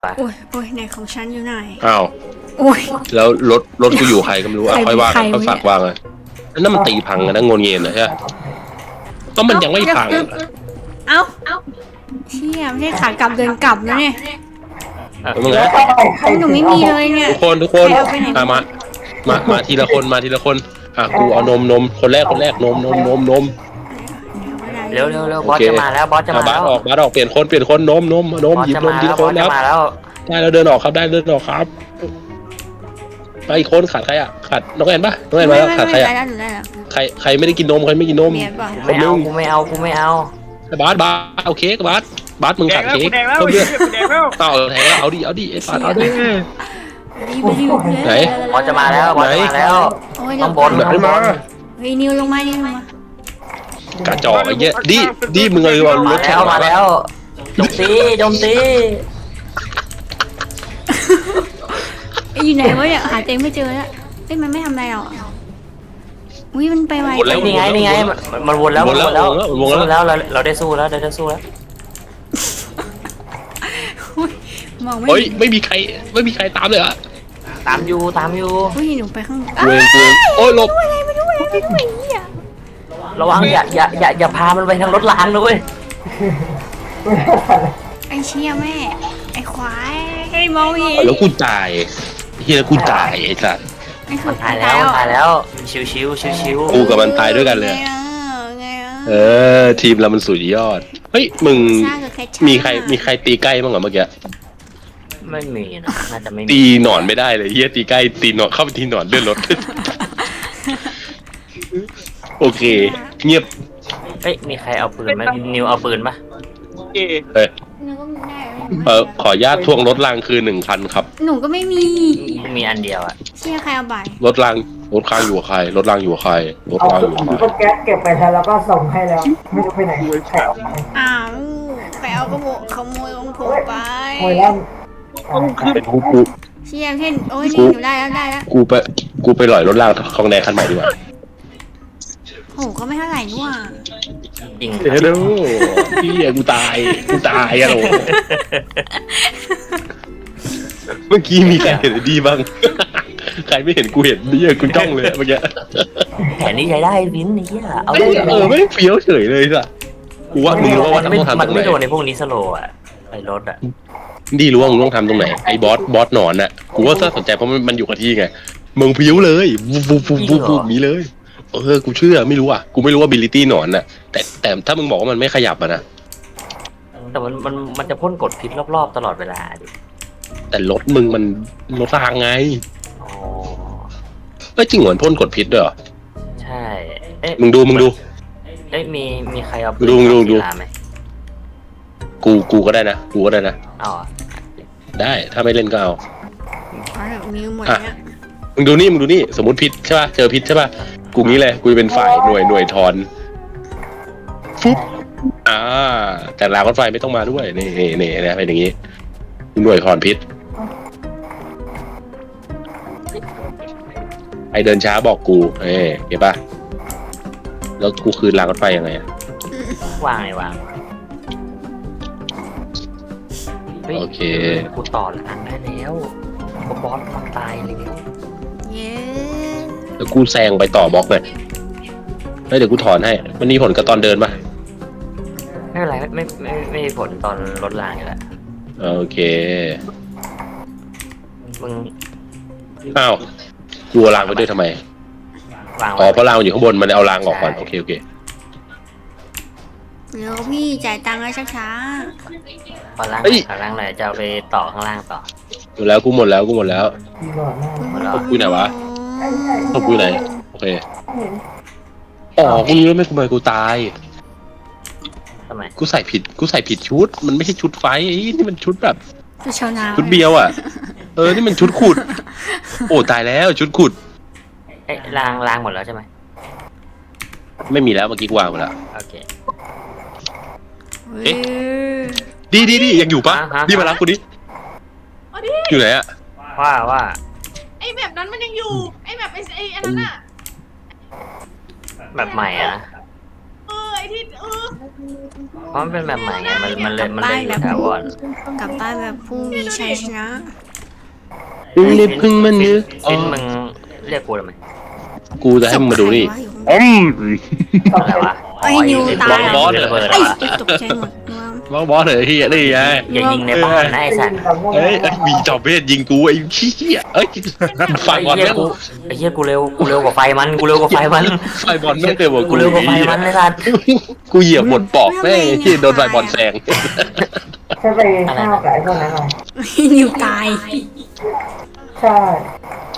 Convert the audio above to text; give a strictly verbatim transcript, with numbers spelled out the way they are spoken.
โอ้ยโอ้ยไหนของฉันอยู่ไหนอ้าวโอ้ยแล้วรถรถกูอยู่ใครก็ไม่รู้อ่ะค่อยว่างค่อยฝากวางเลยนั่นมันตีพังกันนะงนเงินนะใช่ก็มันยังไม่พังเอ้าเชี่ยไม่ใช่ขากลับเดินกลับนะเนี่ยมึงไงหนูไม่มีเลยเนี่ยทุกคนทุกคนมามามามาทีละคนมาทีละคนอ่ะกูเอานมนมคนแรกคนแรกนมนมนมนมเร็วเร็วเร็วบอสจะมาแล้วบอสจะมาแล้วบาสออกบาสออกเปลี่ยนคนเปลี่ยนคนนมนมนมหยิบนมทีละคนแล้วได้แล้วเดินออกครับได้เดินออกครับไปอีกคนขาดใครอ่ะขาดน้องแอนปะน้องแอนมาแล้วขาดใครอ่ะใครใครไม่ได้กินนมใครไม่กินนมไม่เอากูไม่เอากูไม่เอาบาสบาสเอาเค้กบาสบาสมึงขาดเค้กเพิ่มเลือดเอาแทงแล้วเอาดิเอาดิไอ้ปาดเอาดิไหนบอสจะมาแล้วบอสจะมาแล้วต้องบนไหนมาเฮ้ยนิวลงมานิวลงมกระจอกไอ้เงี้ยดิดิมึงเลยว่ารถแข่งมาแล้วโจมตีโจมตีอยู่ไหนวะเนี่ยหาเต็มไม่เจอแล้วเอ้ยมันไม่ทำอะไรหรออุ้ยมันไปไวนี่ไงนี่ไงมันวนแล้ววนแล้ววนแล้วเราเราได้สู้แล้วได้สู้แล้วมองไม่เฮ้ยไม่มีใครไม่มีใครตามเลยอะตามอยู่ตามอยู่อุ้ยหนูไปข้างเวงเวงโอ้ยหลบอะไรไม่รู้อะไรไม่รู้อ่ะระวังอย่าอย่าอย่าอย่าพามันไปทางรถรางนะเว้ยไอเชี่ยแม่ไอควายไอมองอีแล้วกูตายเฮียกูตายไอ้สัสมันตายแล้วตายแล้วชิวชิวชิวชิวกูกับมันตายด้วยกันเลยเออทีมเรามันสุดยอดเฮ้ยมึงมีใครมีใครตีใกล้บ้างเหรอเมื่อกี้ไม่มีนะน่าจะไม่มีตีหนอนไม่ได้เลยเฮียตีใกล้ตีหนอนเข้าไปตีหนอนเลื่อนรถโอเคเงียบเฮ้ยมีใครเอาปืนไหมนิวเอาปืนปะเฮ้ยเออขอญาตทวงรถรางคืนหนึ่งคันครับหนูก็ไม่มีมีอันเดียวอะเชี่ยใครเอาไปรถรางรถรางอยู่กับใครรถรางอยู่กับใครรถรางอยู่กับใครก็แก๊สเก็บไปแล้วก็ส่งให้แล้วไม่รู้ไปไหนใครเอาไปอ้าวใครเอากระโบกขโมยของผมไปโอยแล้วเป็นกูกูเชี่ยเช่นโอ้ยนี่หนูได้แล้วได้แล้วกูไปกูไปหล่อยรถรางของแดงคันใหม่ดีกว่าโหก็ไม่เท่าไหร่นี่หว่าจริงเดี๋ยวพี่กูตายกูตายอะโหเมื่อกี้มีใครเห็นดีบ้างใครไม่เห็นกูเห็นนี่กูจ้องเลยเมื่อกี้แผนนี้ใช้ได้วินนี่อ่ะเอาเออไม่เฟี้ยวเฉยเลยจ้ะกูว่ามึงรู้ว่าต้องทำตรงไหนมันไม่โดนในพวกนี้สโลอ่ะไอ้รถอ่ะดีรู้ว่ามึงต้องทำตรงไหนไอ้บอสบอสหนอนอ่ะกูว่าถ้าสนใจเพราะมันมันอยู่กับที่ไงมึงเฟี้ยวเลยวูบวูบวูบวูบมีเลยเออกูเชื่อไม่รู้อ่ะกูไม่รู้ว่าบิลิตี้หนอนน่ะแต่แต่ถ้ามึงบอกว่ามันไม่ขยับอ่ะนะแต่มันมันมันจะพ่นกดพิษรอบๆตลอดเวลาดิแต่รถมึงมันรถรางไงอ๋อเอ้ยจริงเหมือนพ่นกดพิษด้วยเหรอใช่เอ๊ะมึงดูมึงดูเอ๊ะมีมีใครเอาดูดูดูกูกูก็ได้นะกูก็ได้นะอ๋อได้ถ้าไม่เล่นก็เอามีหมดเนี่ยมึงดูนี่มึงดูนี่สมมติพิษใช่ป่ะเจอพิษใช่ป่ะกูงี้เลยกูเป็นฝ่ายหน่วยหน่วยทอนฟุ๊บอ่าแต่รางรถไฟไม่ต้องมาด้วยนี่นี่นี่นะเป็นอย่างงี้หน่วยถอนพิษไอเดินช้าบอกกูเอ้เห็นป่ะแล้วกูคืนรางรถไฟยังไงอะวางไงวางโอเคกูต่อหลังได้แล้วบอสมันตายแล้วเย้แล้วกูแซงไปต่อบล็อกเลยเดี๋ยวกูถอนให้มันมีผลกับตอนเดินป่ะไม่เป็นไรไม่ไม่ไม่มีผลตอนรถรางอยู่แล้วโอเคมึงอ้าวกูเอารางไปด้วยทำไมอ๋อเพราะรางอยู่ข้างบนมันเอารางออกก่อนโอเคโอเคเดี๋ยวพี่จ่ายตังค์ให้ช้าๆพอรางพอรางไหนจะเอาไปต่อข้างล่างต่อหมดแล้วกูหมดแล้วกูหมดแล้วตบกูไหนวะตบกูไหนโอเคอ๋อกูรู้แล้วไม่กูไปกูตายทำไมกูใส่ผิดกูใส่ผิดชุดมันไม่ใช่ชุดไฟนี่มันชุดแบบชุดเบียวอ่ะเออนี่มันชุดขุดโอ้ตายแล้วชุดขุดเอ๊ะรางรางหมดแล้วใช่ไหมไม่มีแล้วเมื่อกี้กูวางหมดแล้วโอเคเอ๊ะดีดีดียังอยู่ปะดีมารับกูดิอยู่ไหนอะว่าว่าไอแบบนั้นมันยังอยู่ไอแบบไอไออันนั้นอะแบบใหม่อะเออไออะไรที่เออเพราะมันเป็นแบบใหม่ไงมันมันเลยมันเลยอยู่แถวก่อนกลับบ้านแบบผู้มีชัยชนะพึ่งนิดพึ่งมันนึกฟินมึงเรียกกูทำไมกูจะให้มึงมาดูนี่ศพใครวะอยู่ข้างบนอืมอะไรวะไอ้นิวตายบอสเหรอระเบิดไอ้วะไอ้ตกใจหมดว่าบอสบอสเหรอที่นี่ไงอย่ายิงในบ้านนะไอ้สัตว์เอ้ยไอ้มีจอบเวทยิงกูไอ้ขี้เหี้ยเอ้ยไฟบอลไอ้เหี้ยแม่งกูไอ้เหี้ยกูเร็วกูเร็วกว่าไฟมันกูเร็วกว่าไฟมันไฟบอลแม่งเกิดกว่ากูเร็วกว่าไฟมันเลยสัตว์กูเหยียบหมดปอกแม่งที่โดนไฟบอลแซงแค่ไปฆ่ากับไอ้พวกนั้นหน่อยไอ้นิวตายใช่